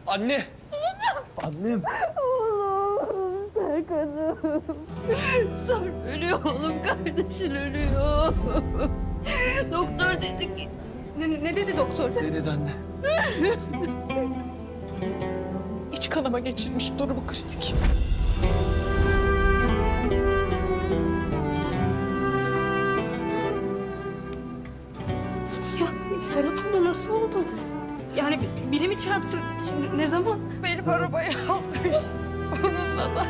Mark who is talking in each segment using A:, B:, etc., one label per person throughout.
A: Anne! Annem!
B: Oğlum, Serkan'ım. Sarp ölüyor oğlum, kardeşin ölüyor. Doktor dedi ki... Ne dedi doktor?
A: Ne dedi anne?
C: İç kanama geçirmiş, durumu kritik.
B: Ya Serap abla nasıl oldu? Yani biri mi çarptı? Şimdi ne zaman? Benim arabaya almış. Onun baba.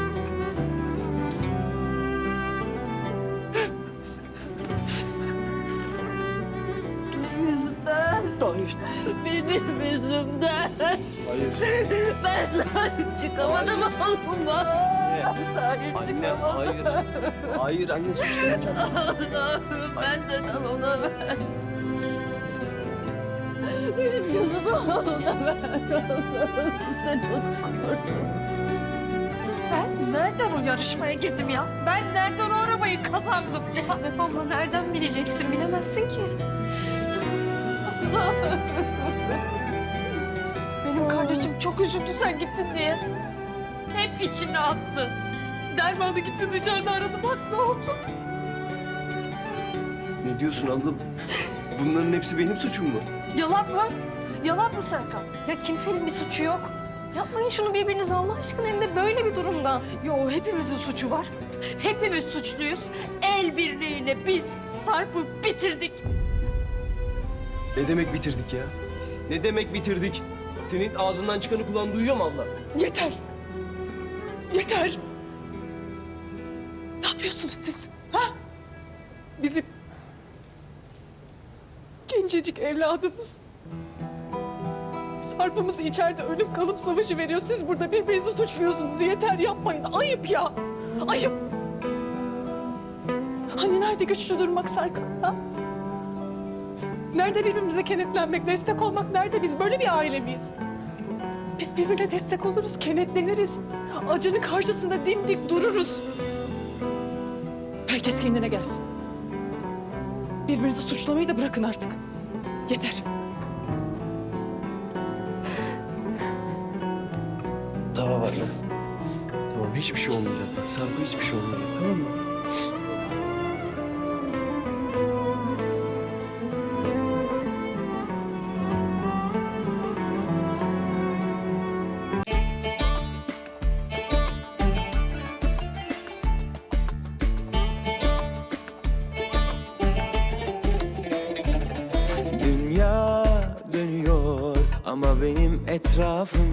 B: Benim yüzümden.
A: Hayır.
B: Benim yüzümden.
A: Hayır.
B: Ben sahip çıkamadım oğluma. Sahip
A: Anne,
B: çıkamadım.
A: hayır. Hayır anne suçlamayacağım.
B: Allah'ım benden al ona ver. Benim canımı al ona ver. Allah'ım sen onu koru.
C: Ben nereden o yarışmaya girdim ya? Ben nereden o arabayı kazandım ya?
B: Serap abla nereden bileceksin? Bilemezsin ki.
C: Benim kardeşim çok üzüldü sen gittin diye. Hep içine attı. Dermanı gitti dışarıda aradı, bak ne oldu?
A: Ne diyorsun abla? Bunların hepsi benim suçum mu?
C: Yalan mı? Yalan mı Serkan?
B: Ya kimsenin bir suçu yok. Yapmayın şunu birbirinize Allah aşkına, hem de böyle bir durumda.
C: Yo, hepimizin suçu var. Hepimiz suçluyuz. El birliğiyle biz Sarp'ı bitirdik.
A: Ne demek bitirdik ya? Ne demek bitirdik? Senin ağzından çıkanı kulağın duyuyor mu abla?
C: Yeter. Yeter. Ne yapıyorsunuz siz? Ha? Bizim gencecik evladımız. Sarp'ımız içeride ölüm kalım savaşı veriyor. Siz burada birbirinizi suçluyorsunuz. Yeter, yapmayın. Ayıp ya. Ayıp. Hani nerede güçlü durmak Serkan? Ha? Nerede birbirimize kenetlenmek, destek olmak nerede? Biz böyle bir aile miyiz? Biz birbirine destek oluruz, kenetleniriz. Acının karşısında dimdik dururuz. Herkes kendine gelsin. Birbirinizi suçlamayı da bırakın artık. Yeter.
A: Tamam anne. Tamam hiçbir şey olmayacak. Sarp'a hiçbir şey olmayacak, tamam mı?
D: Dünya dönüyor ama benim etrafım